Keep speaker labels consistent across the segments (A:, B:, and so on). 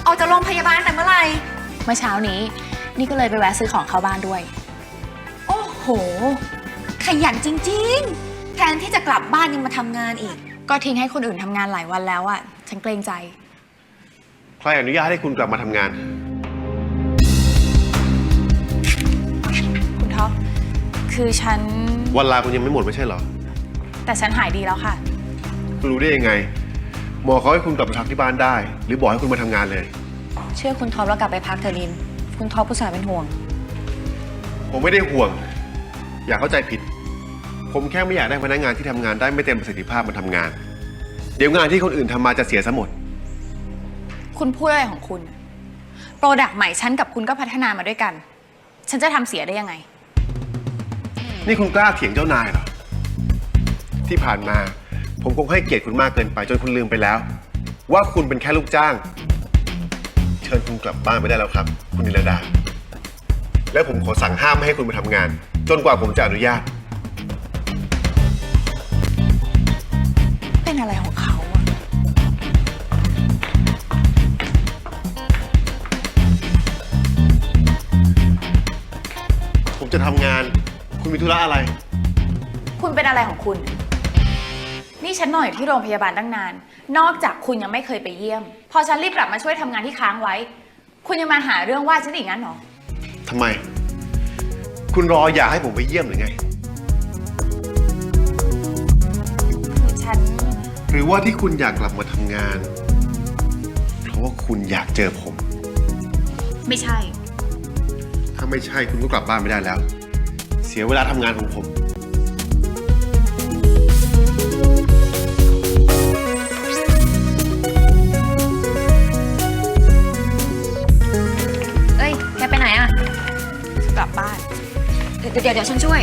A: อกจากโรงพยาบาลแต่เมื่อไหร่
B: เมื่อเช้านี้นี่ก็เลยไปแวะซื้อของเข้าบ้านด้วย
A: โอ้โหขยันจริงๆแทนที่จะกลับบ้านยังมาทำงานอีก
B: ก็ทิ้งให้คนอื่นทำงานหลายวันแล้วอะฉันเกรงใจ
C: ใครอนุญาตให้คุณกลับมาทำงาน
B: คุณท็อปคือฉัน
C: วันลาคุณยังไม่หมดไม่ใช่เหรอ
B: แต่ฉันหายดีแล้วค่ะ
C: คุณรู้ได้ยังไงหมอเขาให้คุณกลับไปพักที่บ้านได้หรือบอกให้คุณมาทำงานเลย
B: เชื่อคุณท็อปแล้วกลับไปพักเถอะลินคุณท็อปผู้สาวเป็นห่วง
C: ผมไม่ได้ห่วงอย่าเข้าใจผิดผมแค่ไม่อยากได้พนักงานที่ทำงานได้ไม่เต็มประสิทธิภาพมาทำงานเดี๋ยวงานที่คนอื่นทำมาจะเสียซะหมด
B: คุณพูดอะไรของคุณโปรดักต์ใหม่ฉันกับคุณก็พัฒนามาด้วยกันฉันจะทำเสียได้ยังไง
C: นี่คุณกล้าเถียงเจ้านายเหรอที่ผ่านมาผมคงให้เกียรติคุณมากเกินไปจนคุณลืมไปแล้วว่าคุณเป็นแค่ลูกจ้างเชิญคุณกลับบ้านไปได้แล้วครับคุณนิรดาและผมขอสั่งห้ามไม่ให้คุณไปทำงานจนกว่าผมจะอนุญาต
B: เป็นอะไรของเขาอะ
C: ผมจะทำงานคุณมีธุระอะไร
B: คุณเป็นอะไรของคุณนี่ฉันนอนอยู่ที่โรงพยาบาลตั้งนานนอกจากคุณยังไม่เคยไปเยี่ยมพอฉันรีบกลับมาช่วยทำงานที่ค้างไว้คุณยังมาหาเรื่องว่าฉันอีกงั้นหรอ
C: ทำไมคุณรออยากให้ผมไปเยี่ยมหรือไง
B: ฉัน
C: หรือว่าที่คุณอยากกลับมาทำงานเพราะว่าคุณอยากเจอผม
B: ไม่ใช่
C: ถ้าไม่ใช่คุณก็กลับบ้านไม่ได้แล้วเสียเวลาทำงานของผม
A: เอ้ยแกไปไหนอะ
B: กลับบ้าน
A: เดี๋ยวฉันช่วย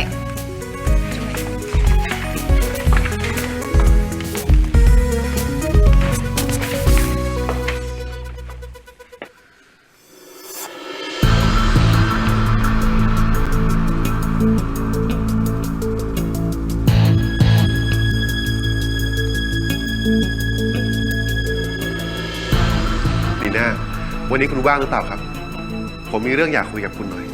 C: ลีน่าวันนี้คุณว่างหรือเปล่าครับผมมีเรื่องอยากคุยกับคุณหน่อย